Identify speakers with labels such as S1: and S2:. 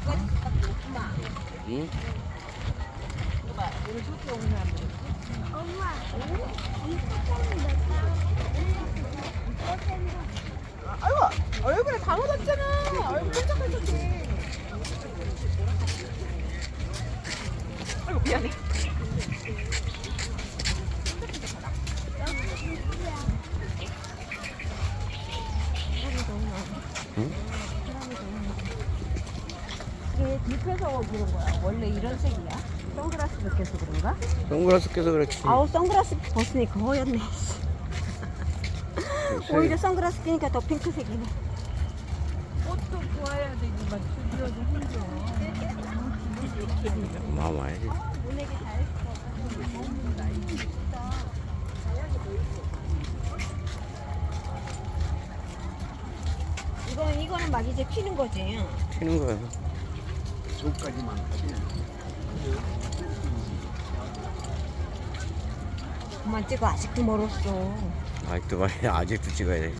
S1: 응?
S2: 엄마, 이 사탕은 몇
S3: 아이고 얼굴에 다 묻었잖아. 얼굴 끈적끈적해. 아이고 미안해.
S1: 응?
S2: 이게 불켜서 그런 거야. 원래 이런 색이야. 선글라스 벗겨서 그런가?
S1: 선글라스 껴서 그렇지.
S2: 아우 선글라스 벗으니까 허였네. 오히려 선글라스 끼니까 더 핑크색이네.
S3: 옷도 좋아야 되지만 주변도 힘들어.
S1: 마음 와야지.
S2: 모내기 잘했어. 이거는 막 이제 피는 거지.
S1: 튀는 거야.
S2: 그만 찍어 아직도 멀었어.
S1: 아직도 말이야. 아직도 찍어야 돼.